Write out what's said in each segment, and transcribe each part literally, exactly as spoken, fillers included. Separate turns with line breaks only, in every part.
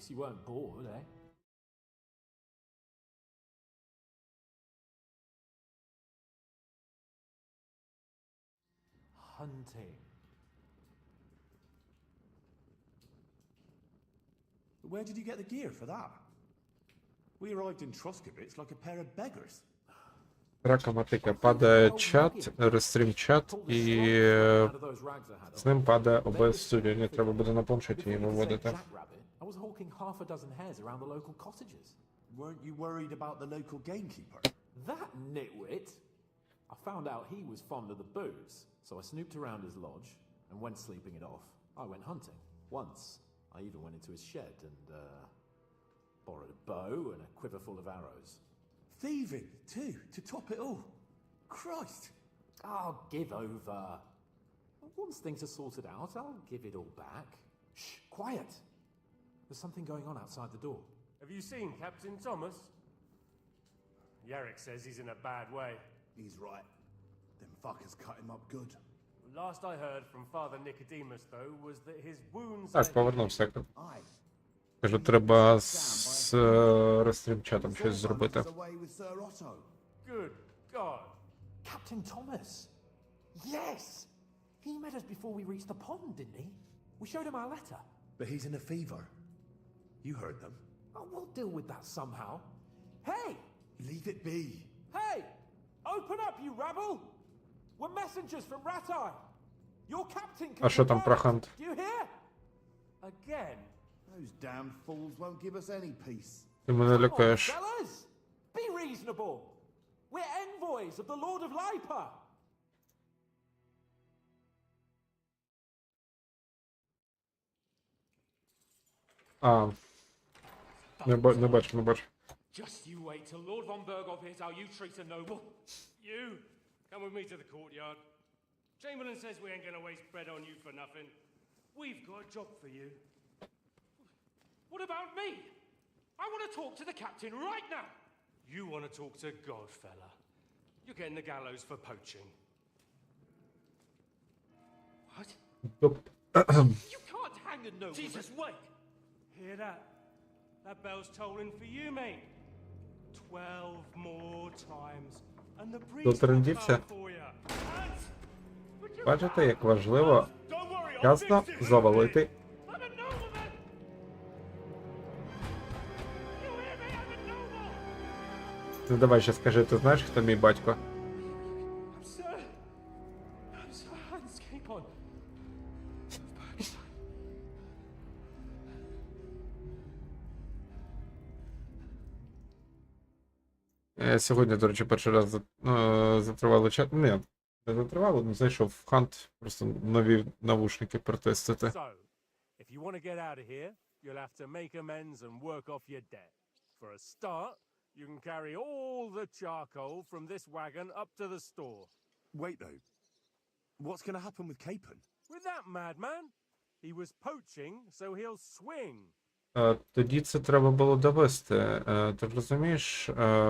Guess you weren't bored, eh? Hunting.
Where did you get the gear for that? We arrived in Truscovitz like a pair of beggars.
Рака мотика. Падає чат, рестрім чат, і е, з ним падає о бе ес Studio. Ні, треба буде на планшеті її виводити.
I was hawking half a dozen hares around the local cottages.
Weren't you worried about the local gamekeeper?
That nitwit! I found out he was fond of the booze, so I snooped around his lodge, and when sleeping it off, I went hunting. Once, I even went into his shed and, uh, borrowed a bow and a quiver full of arrows.
Thieving, too, to top it all. Christ!
Oh, give over. Once things are sorted out, I'll give it all back. Shh, quiet! There's something going on outside the door.
Have you seen Captain Thomas? Yarrick says he's in a bad way.
He's right. Them fuckers cut him up good.
Last I heard from Father Nicodemus, though, was that his wounds...
Так, повернувся.
Aye.
Кажу, треба з е, рестрім чатом щось зробити.
Away with Sir Otto.
Good God.
Captain Thomas! Yes! He met us before we reached the pond, didn't he? We showed him our letter.
But he's in a fever. You heard them.
Oh, we'll deal with that somehow. Hey!
Leave it be.
Hey! Open up, you rabble! We're messengers from Ratai. Your captain can
А що там про
confirm it.
хант?
Do you hear?
Again?
Those damned fools won't give us any peace.
Ти мене
Come on,
лякаєш.
fellas! Be reasonable! We're envoys of the Lord of Lipa!
А, не, ба- не бачу, не бачу.
Just you wait till Lord von Berghoff hears how you treat a noble. You, come with me to the courtyard. Chamberlain says we ain't gonna waste bread on you for nothing. We've got a job for you. What about me? I want to talk to the captain right now. You want to talk to God, fella. You're getting the gallows for poaching. What?
Топ.
You can't hang a nobleman. Jesus, wait! Hear that? That bell's tolling for you, mate. Twelve more times. And the priest will
Дотрендівся.
come for you. And... Would you
Бачите, як важливо
Don't worry, I'll
вчасно
fix it.
завалити.
I'm a nobleman! You hear me? I'm a noble!
Ну давай ще скажи, ти знаєш, хто мій батько?
I'm Sir... I'm Sir Hans Capon.
Я сьогодні, до речі, перший раз за- е, затривали чат. Ні, не затривали, але зайшов в хант, просто нові навушники протестити.
So, if you want to get out of here, you'll have to make amends and work off your debt. For a start, you can carry all the charcoal from this wagon up to the store.
Wait, though. What's going to happen with Capon?
With that madman, he was poaching, so he'll swing.
Е, Тоді це треба було довести. Е, Ти розумієш? Е,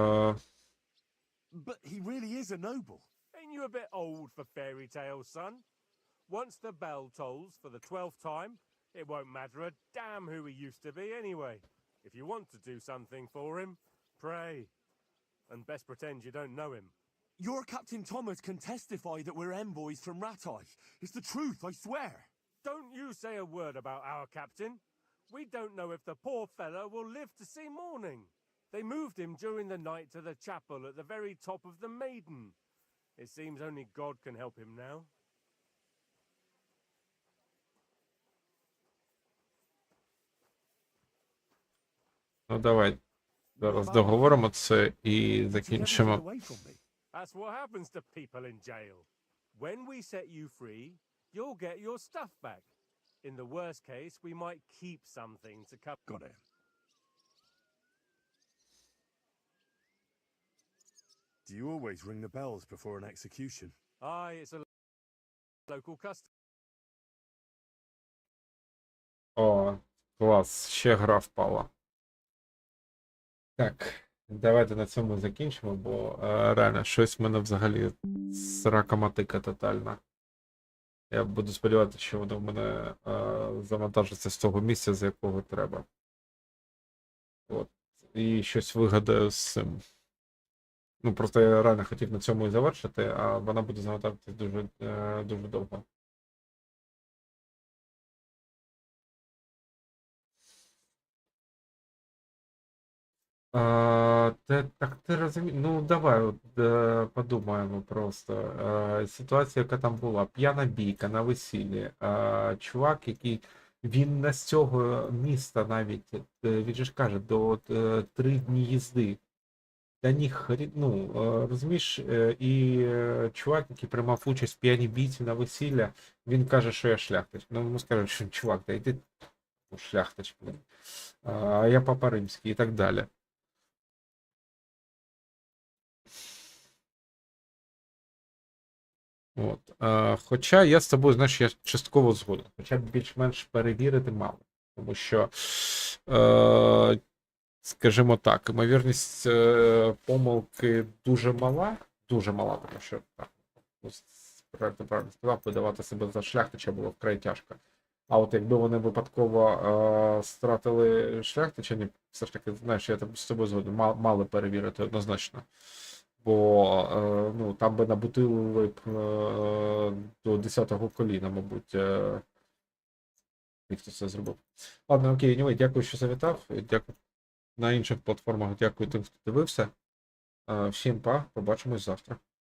But he really is a noble.
Ain't you a bit old for fairy tales, son? Once the bell tolls for the twelfth time, it won't matter a damn who he used to be anyway. If you want to do something for him, pray. And best pretend you don't know him.
Your Captain Thomas can testify that we're envoys from Ratai. It's the truth, I swear.
Don't you say a word about our captain. We don't know if the poor fellow will live to see morning. They moved him during the night to the chapel at the very top of the Maiden. It seems only God can help him now.
Ну давай. Зараз договоримо це і
Did you ever get
закінчимо.
away from me?
That's what happens to people in jail. When we set you free, you'll get your stuff back. In the worst case, we might keep something to cover.
Got it. Do you always ring the bells before an execution?
Aye, it's a local custom.
О, клас, ще гра впала. Так, давайте на цьому закінчимо, бо е, реально щось в мене взагалі срака мотика тотальна. Я буду сподіватися, що воно в мене е, завантажиться з того місця, з якого треба. От. І щось вигадаю з цим. Ну, просто я реально хотів на цьому і завершити, а вона буде заготовитись дуже, е, дуже довго. А, те, так ти розумієш, ну давай от, е, подумаємо просто. Е, ситуація, яка там була, п'яна бійка на весіллі. Е, чувак, який він не з цього міста навіть, е, він же ж каже, до е, три дні їзди. Та ні, хрі... ну, е, розумієш, е, і е, чувак, який приймав участь в п'яній бійці на весілля, він каже, що я шляхтич. Ну, йому скажуть, що чувак, та йди ну, шляхтич, блин. А я папа римський і так далі. От. Е, хоча я з тобою, знаєш, я частково згоден. Хоча б більш-менш перевірити мало. Тому що, е, скажімо так, ймовірність е, помилки дуже мала, дуже мала, тому що так, ну, правильно, правильно сказав, видавати себе за шляхтича було вкрай тяжко. А от якби вони випадково е, стратили шляхтича, ні, все ж таки, знаєш, я з тобою згоден, мали, мали перевірити однозначно. Бо е, ну, там би набутили б е, до десятого коліна, мабуть, е, і хто це зробив. Ладно, окей, anyway, дякую, що завітав. Дякую на інших платформах, дякую тим, хто дивився. Е, всім па, побачимось завтра.